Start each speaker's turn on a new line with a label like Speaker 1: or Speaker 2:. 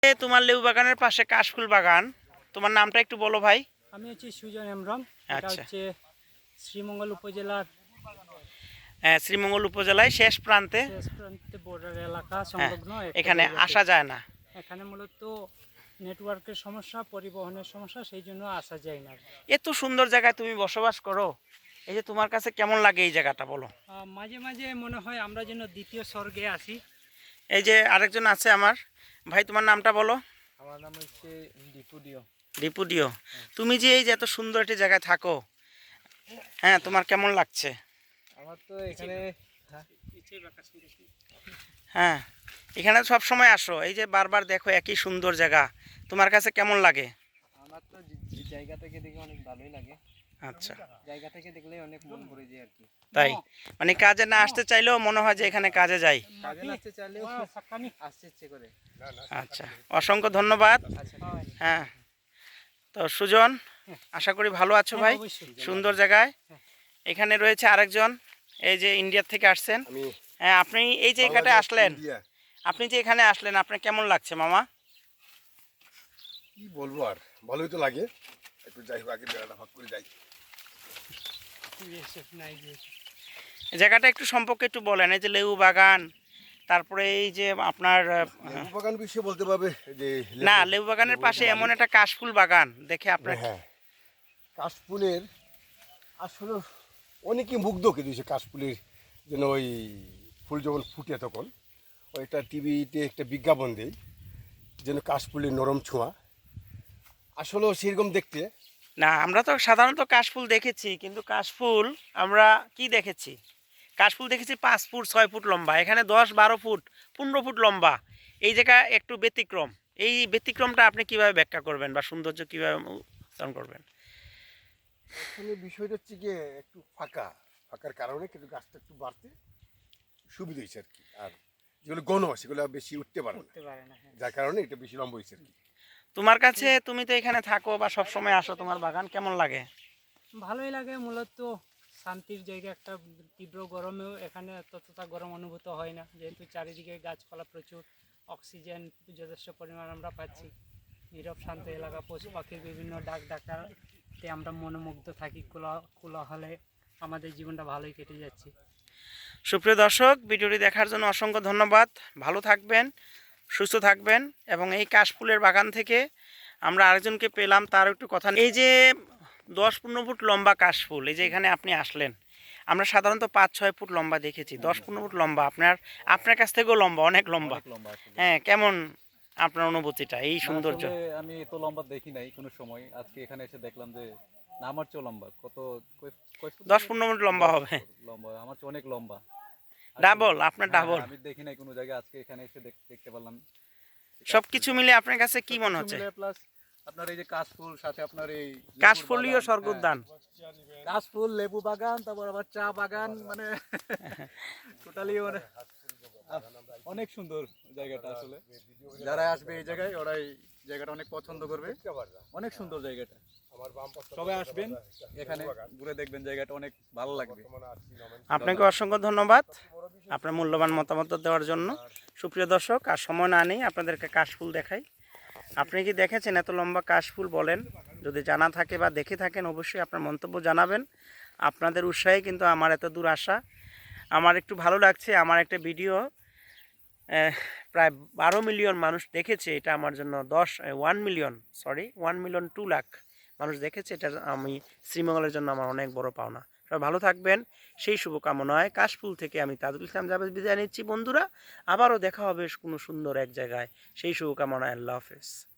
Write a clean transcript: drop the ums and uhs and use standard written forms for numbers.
Speaker 1: তোমার লেবু বাগানের পাশে কাশফুল বাগান, তোমার নামটা একটু বলো ভাই।
Speaker 2: আমি হচ্ছে সুজন হেমব্রম। এটা
Speaker 1: আচ্ছা,
Speaker 2: হচ্ছে শ্রীমঙ্গল উপজেলার
Speaker 1: হ্যাঁ, শ্রীমঙ্গল উপজেলায় শেষ প্রান্তে।
Speaker 2: শেষ প্রান্তে বর্ডার এলাকা
Speaker 1: হ্যাঁ,
Speaker 2: সংলগ্ন একটা
Speaker 1: এখানে
Speaker 2: জায়গাতে।
Speaker 1: আসা যায় না।
Speaker 2: এখানে মূলত নেটওয়ার্কের সমস্যা, পরিবহনের সমস্যা, সেই জন্য আসা যায় না।
Speaker 1: এত সুন্দর জায়গায় তুমি বসবাস করো, এই যে তোমার কাছে কেমন লাগে এই জায়গাটা বলো।
Speaker 2: মাঝে মাঝে মনে হয় আমরা যেন দ্বিতীয় স্বর্গে আছি।
Speaker 1: এই যে আরেকজন আছে আমার ভাই, তোমার নামটা বলো।
Speaker 3: আমার নাম হচ্ছে দীপুডিও।
Speaker 1: রিপুডিও, তুমি যে এই যে এত সুন্দর একটি জায়গায় থাকো, হ্যাঁ, তোমার কেমন লাগছে?
Speaker 3: আমার তো এখানে
Speaker 1: হ্যাঁ, এখানে সব সময় আসো, এই যে বারবার দেখো একই সুন্দর জায়গা, তোমার কাছে কেমন লাগে?
Speaker 3: আমার তো জায়গা থেকে দেখে অনেক ভালোই লাগে।
Speaker 1: আচ্ছা,
Speaker 3: জায়গা থেকে দেখলে অনেক মন ভরে যায় আর কি।
Speaker 1: তাই মানে কাজে না আসতে চাইলেও মনে হয় যে এখানে কাজে যাই।
Speaker 3: কাজে আসতে চাইলেও আসতে ইচ্ছে করে।
Speaker 1: আচ্ছা, অসংখ্য ধন্যবাদ।
Speaker 3: আচ্ছা,
Speaker 1: হ্যাঁ, তো সুজন, আশা করি ভালো আছো ভাই,
Speaker 2: অবশ্যই।
Speaker 1: সুন্দর জায়গায়। এখানে রয়েছে আরেকজন, এই যে ইন্ডিয়া থেকে আসছেন। হ্যাঁ, আপনি এই যে এখানে আসলেন, আপনি যে এখানে আসলেন, আপনার কেমন লাগছে মামা?
Speaker 4: কি বলবো আর, ভালোই তো লাগে। একটু যাই হোক, আগে বেড়াটা ভাগ করে যাই।
Speaker 1: এই জায়গাটা একটু সম্পর্কে একটু বলেন। এই যে লেবু বাগান, তারপরে এই যে আপনার
Speaker 4: লেবু বাগান বিষয়ে বলতে পারবে যে
Speaker 1: না, লেবু বাগানের পাশে এমন একটা কাশফুল বাগান দেখে আপনার
Speaker 4: হ্যাঁ, কাশফুলের আসলে অনেকেই মুগ্ধ কিন্তু সে কাশফুলের যেন ওই ফুল যখন ফুটে তখন ওইটা টিভিতে একটা বিজ্ঞাপন দেয় যেন কাশফুলের নরম ছোঁয়া, আসলেও সেরকম দেখতে।
Speaker 1: না, আমরা তো সাধারণত কাশফুল দেখেছি, কিন্তু কাশফুল আমরা কি দেখেছি, কাশফুল দেখেছি 5 ফুট 6 ফুট লম্বা, এখানে 10 12 ফুট 15 ফুট লম্বা। এই জায়গা একটু ব্যতিক্রম। এই ব্যতিক্রমটা আপনি কিভাবে ব্যাখ্যা করবেন বা সৌন্দর্য কিভাবে উপস্থাপন করবেন?
Speaker 4: এখানে বিষয়টা হচ্ছে গিয়ে একটু ফাঁকার কারণে কিন্তু গাছটা একটু বাড়তে সুবিধা হয়েছে আর কি। আর যেগুলো ঘন সেগুলো বেশি উঠতে পারে না, যার কারণে এটা বেশি লম্বা হয়েছে আর কি।
Speaker 1: তোমার কাছে, তুমি তো এখানে থাকো বা সব সময় আসো, তোমার বাগান কেমন লাগে?
Speaker 2: ভালোই লাগে, মূলত শান্তির জায়গা একটা। তীব্র গরমেও এখানে ততটা গরম অনুভূত হয় না, যেহেতু চারিদিকে গাছপালা প্রচুর, অক্সিজেন যথেষ্ট পরিমাণ আমরা পাচ্ছি। নীরব শান্ত এলাকা, পশু পাখির বিভিন্ন ডাক ডাকাতে আমরা মনোমুগ্ধ থাকি। কোলাহলে আমাদের জীবনটা ভালোই কেটে যাচ্ছে।
Speaker 1: সুপ্রিয় দর্শক, ভিডিওটি দেখার জন্য অসংখ্য ধন্যবাদ। ভালো থাকবেন, সুস্থ থাকবেন। এবং এই কাশফুলের বাগান থেকে আমরা আরেকজনকে পেলাম, তার একটু কথা। এই যে 10 15 ফুট লম্বা কাশফুল, এই যে এখানে আপনি আসলেন, আমরা সাধারণত 5 6 ফুট লম্বা দেখেছি, 10 15 ফুট লম্বা, আপনার কাছ থেকেও লম্বা, অনেক লম্বা। হ্যাঁ, কেমন আপনার অনুভূতিটা এই সৌন্দর্য?
Speaker 5: আমি এত লম্বা দেখি নাই কোনো সময়, আজকে এখানে এসে দেখলাম যে না, আমার চেয়ে লম্বা। কত
Speaker 1: 10 15 ফুট লম্বা হবে,
Speaker 5: লম্বা, আমার চেয়ে অনেক লম্বা।
Speaker 1: ডাবল, আপনার
Speaker 5: হ্যাঁ,
Speaker 1: ডাবল।
Speaker 5: আমি দেখি নাই কোনো জায়গায়, আজকে এখানে এসে দেখতে পারলাম।
Speaker 1: সবকিছু মিলে আপনার কাছে কি মনে হচ্ছে?
Speaker 5: প্লাস আপনার এই যে কাশফুল, সাথে আপনার এই
Speaker 1: কাশফুলীয় স্বর্গোদ্যান,
Speaker 5: কাশফুল, লেবু বাগান, তারপর আবার চা বাগান, মানে টোটালি মানে অনেক সুন্দর জায়গাটা। আসলে যারা আসবে এই জায়গায়, ওরাই জায়গাটা অনেক পছন্দ করবে। অনেক সুন্দর জায়গাটা, সবাই আসবেন এখানে ঘুরে দেখবেন, জায়গাটা অনেক ভালো লাগবে।
Speaker 1: আপনাকে অসংখ্য ধন্যবাদ আপনার মূল্যবান মতামত দেওয়ার জন্য। সুপ্রিয় দর্শক, আর সময় না নেই, আপনাদেরকে কাশফুল দেখাই। আপনি কি দেখেছেন এত লম্বা কাশফুল? বলেন, যদি জানা থাকে বা দেখে থাকেন অবশ্যই আপনার মন্তব্য জানাবেন। আপনাদের উৎসাহে কিন্তু আমার এত দূর আসা। আমার একটু ভালো লাগছে, আমার একটা ভিডিও প্রায় 12 মিলিয়ন মানুষ দেখেছে, এটা আমার জন্য 1 মিলিয়ন 2 লাখ মানুষ দেখেছে, এটা আমি শ্রীমঙ্গলের জন্য আমার অনেক বড় পাওনা। সবাই ভালো থাকবেন, সেই শুভকামনায় কাশফুল থেকে আমি তাজুল ইসলাম জাভেদ বিদায় নিচ্ছি বন্ধুরা। আবারও দেখা হবে কোনো সুন্দর এক জায়গায়, সেই শুভকামনায়। আল্লাহ হাফেজ।